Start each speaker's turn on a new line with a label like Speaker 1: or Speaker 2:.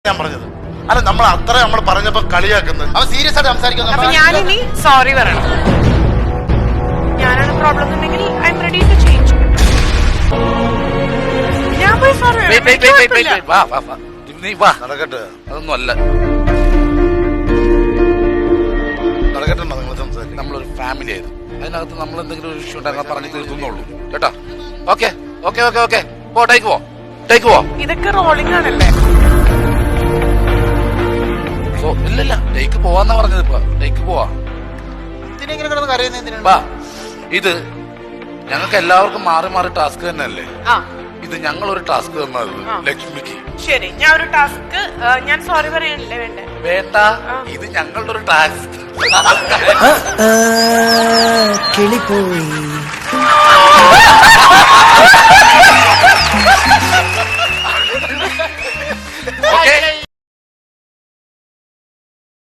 Speaker 1: ഞാൻ പറഞ്ഞത് അല്ല നമ്മൾ അത്ര നമ്മൾ പറഞ്ഞപ്പോ കളിയാക്കുന്നത് അവൻ സീരിയസ് ആയിട്ട് സംസാരിക്കുന്നു.
Speaker 2: ഞാനിനി സോറി പറയണം. ഞാനാണ് പ്രോബ്ലം എന്നുണ്ടെങ്കിൽ I am ready to change. ഞാൻ പോയി സോറി
Speaker 1: നടക്കട്ടെ,
Speaker 3: അതൊന്നും അല്ല.
Speaker 1: നടക്കട്ടെ, നിങ്ങൾ സംസാരിക്കും.
Speaker 3: നമ്മളൊരു ഫാമിലി ആയിരുന്നു, അതിനകത്ത് നമ്മൾ എന്തെങ്കിലും ഒരു ഇഷ്യൂ ഉണ്ടായിരുന്ന പറഞ്ഞു തീർത്തുന്നുള്ളൂ കേട്ടോ. ഓക്കെ ഓക്കെ ഓക്കെ ഓക്കെ പോ, ടേക്ക് പോ, ടേക്ക് പോ.
Speaker 2: ഇതൊക്കെ റോളിംഗ് ആണല്ലേ?
Speaker 3: ഇല്ലല്ല, ടേക്ക് പോവാന്നാ പറഞ്ഞത്. ഇപ്പൊ ടേക്ക് പോവാ. വാ, ഇത് ഞങ്ങൾക്ക് എല്ലാവർക്കും മാറി മാറി ടാസ്ക് തന്നെയല്ലേ. ഇത് ഞങ്ങളൊരു ടാസ്ക് തന്നത് ലക്ഷ്മിക്ക്.
Speaker 2: ശരി, ഞാൻ ഒരു ടാസ്ക്, ഞാൻ സോറി പറയാനല്ലേ വേണ്ടേ?
Speaker 3: വേണ്ട, ഇത് ഞങ്ങളുടെ ഒരു ടാസ്ക്.
Speaker 4: കിളിപ്പോയി